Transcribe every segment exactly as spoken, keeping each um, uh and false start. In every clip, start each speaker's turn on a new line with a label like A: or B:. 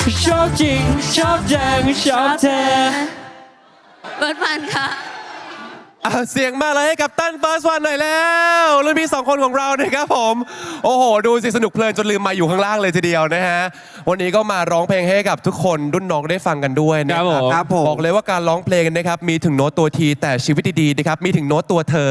A: ชอบจริงชอบจังชอบเธอ
B: เบิร์ดมันค่ะ
C: เสียงมาเลยให้กับตั้นเฟิร์สวันหน่อยแล้วรุ่นพี่สองคนของเรานะครับผมโอ้โหดูสิสนุกเพลินจนลืมมาอยู่ข้างล่างเลยทีเดียวนะฮะวันนี้ก็มาร้องเพลงให้กับทุกคนรุ่นน้องได้ฟังกันด้วยนะครับบอกเลยว่าการร้องเพลงนะครับมีถึงโน้ตตัวทีแต่ชีวิตดีๆนะครับมีถึงโน้ตตัวเธอ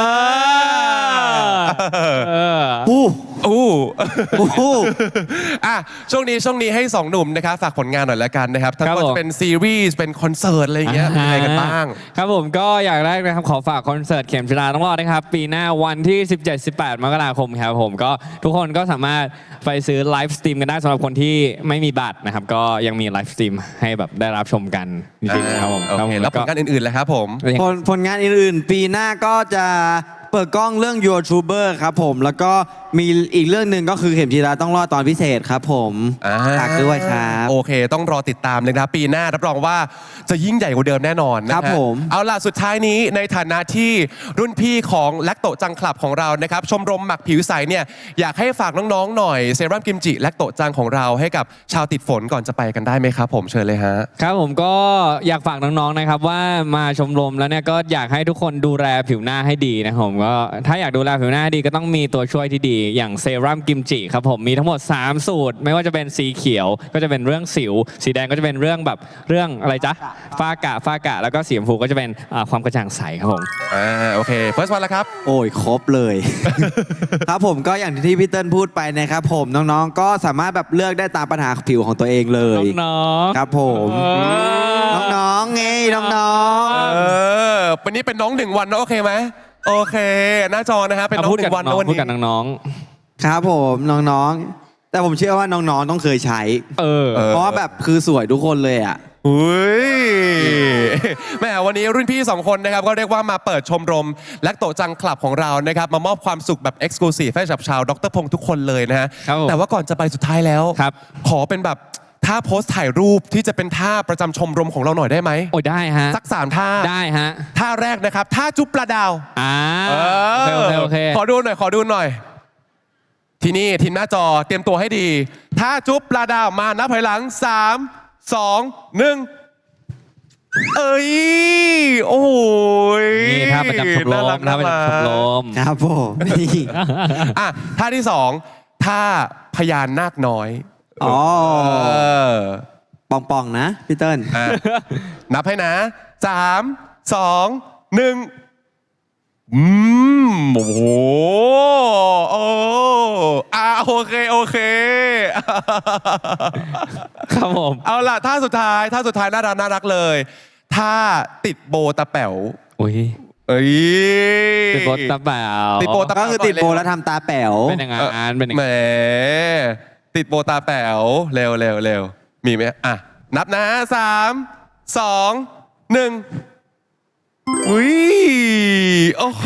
A: อู้
C: อู้อู้อ่ะช่วงนี้ช่วงนี้ให้สองหนุ่มนะครับฝากผลงานหน่อยละกันนะครับทั้งหมดเป็นซีรีส์เป็นคอนเสิร์ตอะไรอย่างเงี้ยเป็นอะไรกันบ้าง
A: ครับผมก็อยากแรกนะครับขอฝากคอนเสิร์ตเข็มจีราต้องรอดนะครับปีหน้าวันที่ สิบเจ็ด สิบแปด มกราคมครับผมก็ทุกคนก็สามารถไปซื้อไลฟ์สตรีมกันได้สำหรับคนที่ไม่มีบัตรนะครับก็ยังมีไลฟ์สตรีมให้แบบได้รับชมกันจริงๆครับผม
C: โอเคแล้วผลงานอื่นๆเลยครับผม
D: ผลผลงานอื่นๆปีหน้าก็จะเปิดกล้องเรื่อง YouTuber ครับผมแล้วก็มีอีกเรื่องหนึ่งก็คือเข็มจีราต้องรอดตอนพิเศษครับผมฝากด้วยครับ
C: โอเคต้องรอติดตามเลยนะครับปีหน้ารับรองว่าจะยิ่งใหญ่กว่าเดิมแน่นอนนะครับ
D: ผม
C: เอาล่ะสุดท้ายนี้ในฐานะที่รุ่นพี่ของแลคโตจังคลับของเรานะครับชมรมหมักผิวใสเนี่ยอยากให้ฝากน้องๆหน่อยเซรั่มกิมจิแลคโตจังของเราให้กับชาวติดฝนก่อนจะไปกันได้ไหมครับผมเชิญเลยฮะ
A: ครับผมก็อยากฝากน้องๆนะครับว่ามาชมรมแล้วเนี่ยก็อยากให้ทุกคนดูแลผิวหน้าให้ดีนะครับผมก็ถ้าอยากดูแลผิวหน้าให้ดีก็ต้องมีตัวช่วยที่ดีอย่างเซรั่มกิมจิครับผมมีทั้งหมดสามสูตรไม่ว่าจะเป็นสีเขียวก็จะเป็นเรื่องสิวสีแดงก็จะเป็นเรื่องแบบเรื่องอะไรจ๊ะฝ้ากระฝ้ากระแล้วก็สีชมพูก็จะเป็นความกระจ่างใสครับผม
C: อ่าโอเคเฟิร์สวันแล้วครับ
D: โอ้ยครบเลย ครับผมก็อย่างที่พี่เติ้ลพูดไปนะครับผมน้องๆก็สามารถแบบเลือกได้ตามปัญหาผิวของตัวเองเลย
A: น้อง
D: ๆครับผมน้องๆไงน้อง
C: ๆเออวันนี้เป็นน้องหนึ่งวันนะโอเคไหมโอเคหน้าจอนะฮะเป็นน้องหนึ่งวัน
A: วันนี้พูดกับน้อง
D: ๆครับผมน้องๆแต่ผมเชื่อว่าน้องๆต้องเคยใช้
A: เออ
D: เพราะว่าแบบคือสวยทุกคนเลยอ่ะ
C: อุ้ยแม่วันนี้รุ่นพี่สองคนนะครับก็เรียกว่ามาเปิดชมรมแลคโตจังคลับของเรานะครับมามอบความสุขแบบเอ็กซ์คลูซีฟให้กับชาวดรพงษ์ทุกคนเลยนะฮะแต่ว่าก่อนจะไปสุดท้ายแล้วขอเป็นแบบท่าโพสถ่ายรูปที่จะเป็นท่าประจำชมรมของเราหน่อยได้ไหม
A: โอ้ได้ฮะ
C: สักสามท่า
A: ได้ฮะ
C: ท่าแรกนะครับท่าจุ๊บปลาดาว
A: อ่าโอเคโอเค
C: ขอดูหน่อยขอดูหน่อยที่นี่ทีมหน้าจอเตรียมตัวให้ดีท่าจุ๊บปลาดาวมานับถอยหลังสามสองหนึ่งเอ้ยโอ้ย
A: นี่ท่าประจำชมรมท่าประจำชมรม
D: ครับผมนี่
C: อ่ะท่าที่สองท่าพญานาคน้อย
D: อ๋อปองปองนะพี่เติ้ล
C: นับให้นะสามสองหนึ่งอืมโอ้โหโอ้อ่าโอเคโอเค
A: ครับผม
C: เอาล่ะท่าสุดท้ายท่าสุดท้ายน่ารักน่ารักเลยท่าติดโบตาแป๋ว
A: อุ้ย
C: เอ้ย
A: ติดโบตาแป๋ว
C: ติดโบตา
D: ก็คือติดโบแล้วทำตาแป๋ว
A: เป็นยังไงอ่านเป็นยังไง
C: แหมติดโบตาแป๋วเร็วเร็วเร็วมีไหมอ่ะนับนะสามสองหนึ่งอุ้ยโอ้โห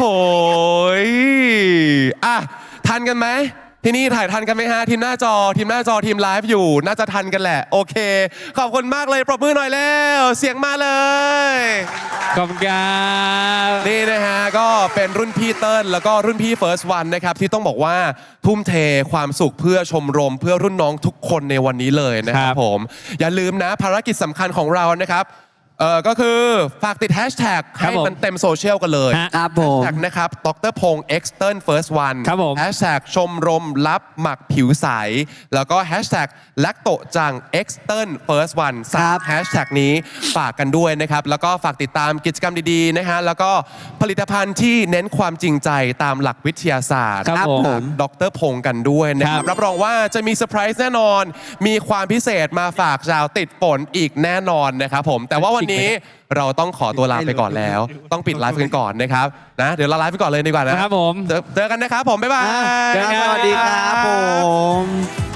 C: อ่ะทันกันไหมที่นี่ถ่ายทันกันไหมฮะทีมหน้าจอทีมหน้าจอทีมไลฟ์อยู่น่าจะทันกันแหละโอเคขอบคุณมากเลยปรบมือหน่อยแล้วเสียงมาเลย
A: ขอบคุณครับ
C: นี่นะฮะก็เป็นรุ่นพี่เติ้ลแล้วก็รุ่นพี่เฟิร์สวันนะครับที่ต้องบอกว่าทุ่มเทความสุขเพื่อชมรมเพื่อรุ่นน้องทุกคนในวันนี้เลยนะครับผมอย่าลืมนะภารกิจสำคัญของเรานะครับเออก็คือฝากติดแฮชแท็กให้มันเต็มโซเชียลกันเลย
D: ครับผม
C: แฮชแท็กนะครับดรพงษ์ X เติ้ล First One
A: ครับผม
C: แฮชแท็กชมรมลับหมักผิวใสแล้วก็แฮชแท็กแลคโตจัง X เติ้ล First One สามแฮชแท็กนี้ฝากกันด้วยนะครับแล้วก็ฝากติดตามกิจกรรมดีๆนะฮะแล้วก็ผลิตภัณฑ์ที่เน้นความจริงใจตามหลักวิทยาศาสตร์
A: ครับผม
C: ดรพงษ์กันด้วยนะครับรับรองว่าจะมีเซอร์ไพรส์แน่นอนมีความพิเศษมาฝากชาวติดฝนอีกแน่นอนนะครับผมแต่ว่าวันนี้เราต้องขอตัวลาไปก่อนแล้วต้องปิดไลฟ์กันก่อนนะครับนะเดี๋ยวเราไลฟ์ไปก่อนเลยดีกว่านะครับ
A: ผม
C: เจอกันนะครับผมบ๊ายบาย
D: สวัสดีครับผม